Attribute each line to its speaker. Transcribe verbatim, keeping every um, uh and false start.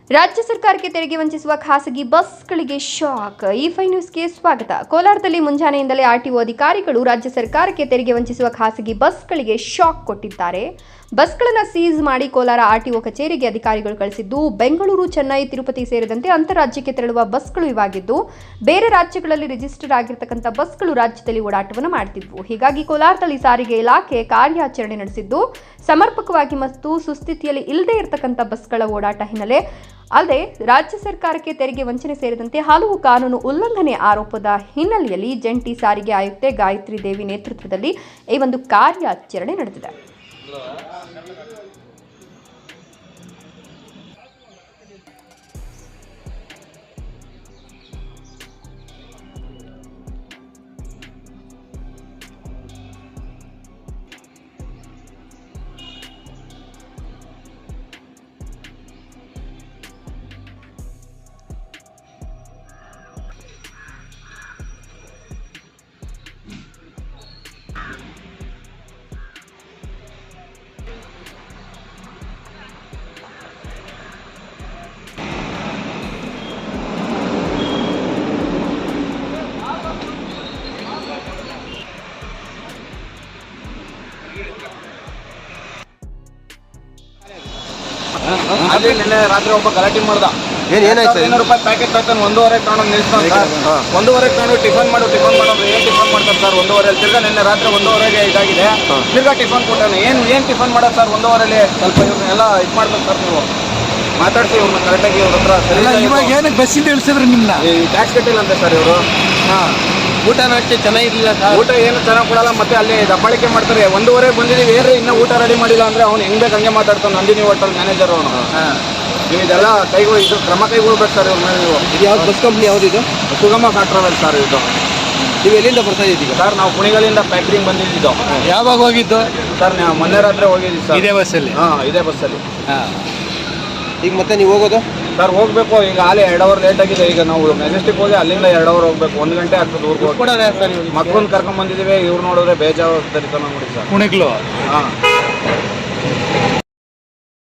Speaker 1: ರಾಜ್ಯ ಸರ್ಕಾರಕ್ಕೆ ತೆರಿಗೆ ವಂಚಿಸುವ ಖಾಸಗಿ ಬಸ್ಗಳಿಗೆ ಶಾಕ್. ಈ ಫೈವ್ ನ್ಯೂಸ್ಗೆ ಸ್ವಾಗತ. ಕೋಲಾರದಲ್ಲಿ ಮುಂಜಾನೆಯಿಂದಲೇ ಆರ್ಟಿಒ ಅಧಿಕಾರಿಗಳು ರಾಜ್ಯ ಸರ್ಕಾರಕ್ಕೆ ತೆರಿಗೆ ವಂಚಿಸುವ ಖಾಸಗಿ ಬಸ್ಗಳಿಗೆ ಶಾಕ್ ಕೊಟ್ಟಿದ್ದಾರೆ. ಬಸ್ಗಳನ್ನು ಸೀಸ್ ಮಾಡಿ ಕೋಲಾರ ಆರ್ಟಿಒ ಕಚೇರಿಗೆ ಅಧಿಕಾರಿಗಳು ಕಳಿಸಿದ್ದು, ಬೆಂಗಳೂರು, ಚೆನ್ನೈ, ತಿರುಪತಿ ಸೇರಿದಂತೆ ಅಂತಾರಾಜ್ಯಕ್ಕೆ ತೆರಳುವ ಬಸ್ಗಳು ಇವಾಗಿದ್ದು, ಬೇರೆ ರಾಜ್ಯಗಳಲ್ಲಿ ರಿಜಿಸ್ಟರ್ ಆಗಿರತಕ್ಕಂಥ ಬಸ್ಗಳು ರಾಜ್ಯದಲ್ಲಿ ಓಡಾಟವನ್ನು ಮಾಡುತ್ತಿದ್ವು. ಹೀಗಾಗಿ ಕೋಲಾರದಲ್ಲಿ ಸಾರಿಗೆ ಇಲಾಖೆ ಕಾರ್ಯಾಚರಣೆ ನಡೆಸಿದ್ದು, ಸಮರ್ಪಕವಾಗಿ ಮತ್ತು ಸುಸ್ಥಿತಿಯಲ್ಲಿ ಇಲ್ಲದೆ ಇರತಕ್ಕಂಥ ಬಸ್ಗಳ ಓಡಾಟ ಹಿನ್ನೆಲೆ ಅಲ್ಲದೆ ರಾಜ್ಯ ಸರ್ಕಾರಕ್ಕೆ ತೆರಿಗೆ ವಂಚನೆ ಸೇರಿದಂತೆ ಹಲವು ಕಾನೂನು ಉಲ್ಲಂಘನೆ ಆರೋಪದ ಹಿನ್ನೆಲೆಯಲ್ಲಿ ಜಂಟಿ ಸಾರಿಗೆ ಆಯುಕ್ತೆ ಗಾಯತ್ರಿ ದೇವಿ ನೇತೃತ್ವದಲ್ಲಿ ಈ ಒಂದು ಕಾರ್ಯಾಚರಣೆ ನಡೆದಿದೆ.
Speaker 2: ಅದೇ ನಿನ್ನೆ ರಾತ್ರಿ ಒಬ್ಬ ಗಲಾಟೆ ಮಾಡ್ದ. ಏನಾಯ್ತು? ಐನೂರು ರೂಪಾಯಿ ಪ್ಯಾಕೆಟ್ ತಗೊಂಡು ಒಂದೂವರೆ ತಗೊಂಡು ನಿಲ್ಸ್ತಾನೆ ಸರ್. ಒಂದೂವರೆ ತಗೊಂಡು ಟಿಫನ್ ಮಾಡು ಟಿಫನ್ ಮಾಡೋದು ಏನ್ ಟಿಫನ್ ಮಾಡ್ತಾರೆ ಸರ್? ಒಂದೂವರೆ ತಿರ್ಗಾ ನಿನ್ನೆ ರಾತ್ರಿ ಒಂದೂವರೆಗೆ ಇದಾಗಿದೆ. ತಿರ್ಗಾ ಟಿಫನ್ ಕೊಟ್ಟಾನೆ. ಏನು ಏನು ಟಿಫನ್ ಮಾಡೋದು ಸರ್? ಒಂದೂವರೆಲಿ ಸ್ವಲ್ಪ ಇವ್ರನ್ನೆಲ್ಲ ಇದು ಮಾಡ್ಬೇಕು ಸರ್. ನೀವು ಮಾತಾಡ್ತೀವಿ ಇವ್ರನ್ನ ಕರೆಕ್ಟಾಗಿ ಇವ್ರ ಹತ್ರ.
Speaker 3: ಇವಾಗ ಏನಕ್ಕೆ ಬಸ್ಸಿಂದ ಇಳಿಸಿದ್ರು ನಿಮ್ಮನ್ನ?
Speaker 2: ಈ ಟ್ಯಾಕ್ಸ್ ಕಟ್ಟಿಲ್ಲ ಅಂತೆ ಸರ್ ಇವರು. ಹಾಂ,
Speaker 3: ಊಟನ ಅಷ್ಟೇ ಚೆನ್ನಾಗಿರ್ಲಿಲ್ಲ ಸರ್.
Speaker 2: ಊಟ ಏನು ಚೆನ್ನಾಗಿ ಕೊಡಲ್ಲ. ಮತ್ತೆ ಅಲ್ಲಿ ದಬ್ಬಾಳಿಕೆ ಮಾಡ್ತಾರೆ. ಒಂದೂವರೆಗೆ ಬಂದಿದ್ದೀವಿ, ಏನ್ರಿ ಇನ್ನೂ ಊಟ ರೆಡಿ ಮಾಡಿಲ್ಲ ಅಂದರೆ ಅವ್ನು ಹೆಂಗೆ ಬೇಕು ಹಂಗೆ ಮಾತಾಡ್ತಾನೆ. ನಂದಿನಿ ಹೋಟೆಲ್ ಮ್ಯಾನೇಜರ್ ಅವನು. ನೀವು ಇದೆಲ್ಲ ಕೈಗೂ ಇದು ಕ್ರಮ ಕೈಗೊಳ್ಬೇಕು ಸರ್ ಇವ್ರ ಮೇಲೆ. ನೀವು
Speaker 3: ಇದು ಯಾವ್ದು ಬಸ್ ಕಂಪ್ನಿ ಯಾವುದಿದು?
Speaker 2: ಸುಗಮ ಕಾಟ್ರಾವೆಲ್ ಸರ್ ಇದು.
Speaker 3: ನೀವು ಎಲ್ಲಿಂದ ಬರ್ತಾ ಇದ್ದೀಗ?
Speaker 2: ಸರ್ ನಾವು ಕುಣಿಗಲಿಂದ ಫ್ಯಾಕ್ಟ್ರಿಗೆ ಬಂದಿದ್ದು.
Speaker 3: ಯಾವಾಗ ಹೋಗಿದ್ದು
Speaker 2: ಸರ್? ನಾವು ಮೊನ್ನೆ ರಾತ್ರಿ ಹೋಗಿದ್ದೀವಿ ಸರ್.
Speaker 3: ಇದೇ ಬಸ್ಸಲ್ಲಿ?
Speaker 2: ಹಾಂ, ಇದೇ ಬಸ್ಸಲ್ಲಿ.
Speaker 3: ಹಾಂ. ಈಗ ಮತ್ತೆ ನೀವು ಹೋಗೋದು?
Speaker 2: ಸರ್ ಹೋಗ್ಬೇಕು. ಈಗ ಅಲ್ಲಿ ಎರಡು ಅವರ್ ಲೇಟ್ ಆಗಿದೆ. ಈಗ ನಾವು ಮೆಜೆಸ್ಟಿಕ್ ಹೋಗಿ ಅಲ್ಲಿಂದ ಎರಡು ಅವರ್ ಹೋಗ್ಬೇಕು. ಒಂದು ಗಂಟೆ ಆಗ್ತದೆ ಊರಿಗೆ ಹೋಗಿ.
Speaker 3: ಸರ್
Speaker 2: ಮಕ್ಕಳನ್ನ ಕರ್ಕೊಂಡ್ ಬಂದಿದ್ದೀವಿ. ಇವ್ರು ನೋಡಿದ್ರೆ ಬೇಜಾರು ತರಿತಾನ ನೋಡಿ ಸರ್.
Speaker 3: ಕುಣಿಗ್ಲು?
Speaker 2: ಹಾಂ.